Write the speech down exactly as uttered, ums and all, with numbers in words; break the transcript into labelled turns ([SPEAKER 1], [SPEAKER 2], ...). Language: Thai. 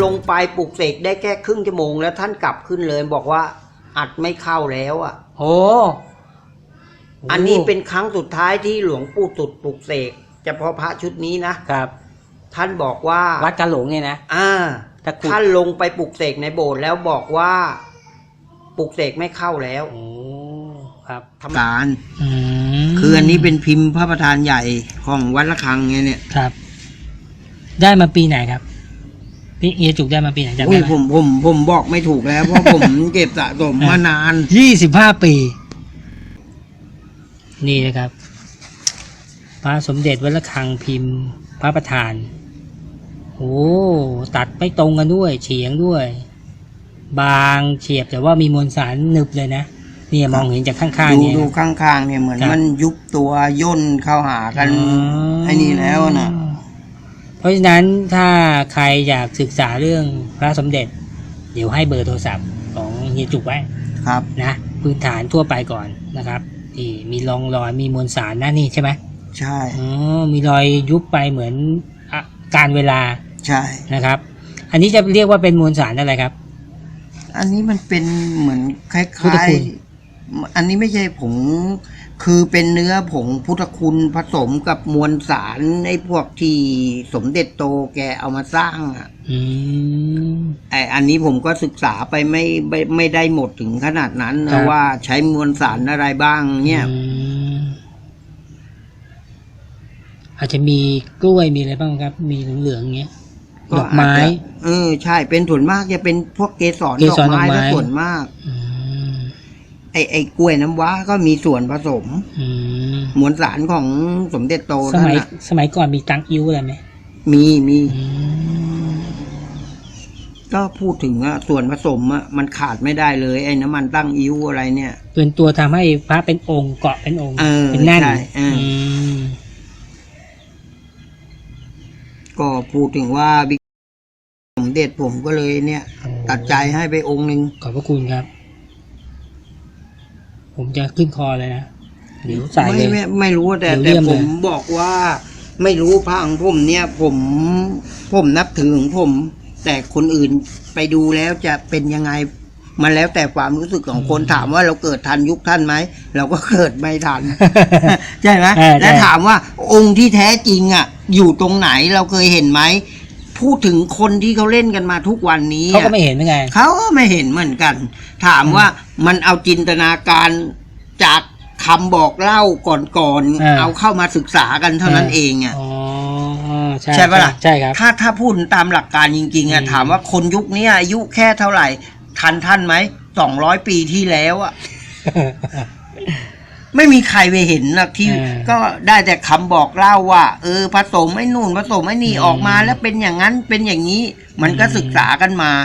[SPEAKER 1] งไปปลุกเสกได้แค่ครึ่งชั่วโมงแล้วท่านกลับขึ้นเลยบอกว่าอัดไม่เข้าแล้วอ่ะ
[SPEAKER 2] โอ้
[SPEAKER 1] อันนี้เป็นครั้งสุดท้ายที่หลวงปู่สุดปลุกเสกเฉพาะพระชุดนี้นะครับท่านบอกว่า
[SPEAKER 2] วัดกะหลงเนี่ยนะ
[SPEAKER 1] อ่าท่านลงไปปลุกเสกในโบสถ์แล้วบอกว่าปลุกเสกไม่เข้าแล้ว
[SPEAKER 2] โอ้ครับ
[SPEAKER 1] ทำการคืออันนี้เป็นพิมพ์พระประธานใหญ่ของวัดระฆังไงเนี่ย
[SPEAKER 2] ครับได้มาปีไหนครับพี่เอจุกได้มาปีไหนจำได้ไหม
[SPEAKER 1] ผมผมผมบอกไม่ถูกแล้วเพราะผมเก็บสะสมมานาน
[SPEAKER 2] ยี่สิบห้าปีนี่นะครับพระสมเด็จวัดระฆังพิมพ์พระประธานโอ้ตัดไม่ตรงกันด้วยเฉียงด้วยบางเฉียบแต่ว่ามีมวลสารหนึบเลยนะนี่มองเห็นจากข้างๆเนี่ย
[SPEAKER 1] ดูข้างๆเนี่ยเหมือนมันยุบตัวย่นเข้าหากันไอ้นี่แล้วนะ
[SPEAKER 2] เพราะฉะนั้นถ้าใครอยากศึกษาเรื่องพระสมเด็จเดี๋ยวให้เบอร์โทรศัพท์ของเฮียจุกไว้
[SPEAKER 1] ครับ
[SPEAKER 2] นะพื้นฐานทั่วไปก่อนนะครับที่มีรองรอยมีมวลสารนะนี่ใช่ไหม
[SPEAKER 1] ใช่
[SPEAKER 2] อ๋อมีรอยยุบไปเหมือนการเวลา
[SPEAKER 1] ใช่
[SPEAKER 2] นะครับอันนี้จะเรียกว่าเป็นมวลสารอะไรครับ
[SPEAKER 1] อันนี้มันเป็นเหมือนคล้ายๆอันนี้ไม่ใช่ผงคือเป็นเนื้อผงพุทธคุณผสมกับมวลสารไอ้พวกที่สมเด็จโตแกเอามาสร้างอ่ะ
[SPEAKER 2] อืม
[SPEAKER 1] ไอ้อันนี้ผมก็ศึกษาไปไม่ไม่ไม่ได้หมดถึงขนาดนั้นนะว่าใช้มวลสารอะไรบ้างเนี่ย
[SPEAKER 2] อาจจะมีกล้วยมีอะไรบ้างครับมีเหลืองๆอย่างเงี้ยดอกไม้
[SPEAKER 1] เออใช่เป็นส่วนมากจะเป็นพวกเกสรดอกไม้ก็ส่วนมากไอ้ไอ้กล้วยน้ำว้าก็มีส่วนผสมมวลสารของสมเด็จโต
[SPEAKER 2] สมัยสมัยก่อนมีตังอิ้วอะไรไหม
[SPEAKER 1] มีมีก็พูดถึงอะส่วนผสมอะมันขาดไม่ได้เลยไอ้น้ำมันตั้งอิ้วอะไรเนี่ย
[SPEAKER 2] เป็นตัวทำให้พระเป็นองค์เกาะเป็นองค์เป็นแน่น
[SPEAKER 1] ก็พูดถึงว่าสมเด็จผมก็เลยเนี่ยตัดใจให้ไปองค์หนึ่ง
[SPEAKER 2] ขอบพระคุณครับผมจะขึ้นคอเลยนะเดี๋ยวใส่เลย
[SPEAKER 1] ไม่ไม่รู้แต่แต่ผมบอกว่าไม่รู้พระของผมเนี่ยผมผมนับถือของผมแต่คนอื่นไปดูแล้วจะเป็นยังไงมันแล้วแต่ความรู้สึกของคนถามว่าเราเกิดทันยุคท่านไหมเราก็เกิดไม่ทัน ใช่ไหมและถามว่าองค์ที่แท้จริงอ่ะอยู่ตรงไหนเราเคยเห็นไหมพูดถึงคนที่เขาเล่นกันมาทุกวันนี้
[SPEAKER 2] เขาก็ไม่เห็นเหมือนกัน
[SPEAKER 1] เขาก็ไม่เห็นเหมือนกันถามว่ามันเอาจินตนาการจากคำบอกเล่าก่อนๆเอาเข้ามาศึกษากันเท่านั้นเองอ่ะใช่ปะล่ะ
[SPEAKER 2] ใช่ครับ
[SPEAKER 1] ถ้าถ้าพูดตามหลักการจริงๆอ่ะถามว่าคนยุคนี้อายุแค่เท่าไหร่ทันท่านไหมสองร้อยปีที่แล้วอ่ะ ไม่มีใครไปเห็นนะที่ก็ได้แต่คำบอกเล่าว่าเออผสมไอ้นู่นผสมไอ้นี่ออกมาแล้วเป็นอย่างนั้นเป็นอย่างนี้มันก็ศึกษากันมา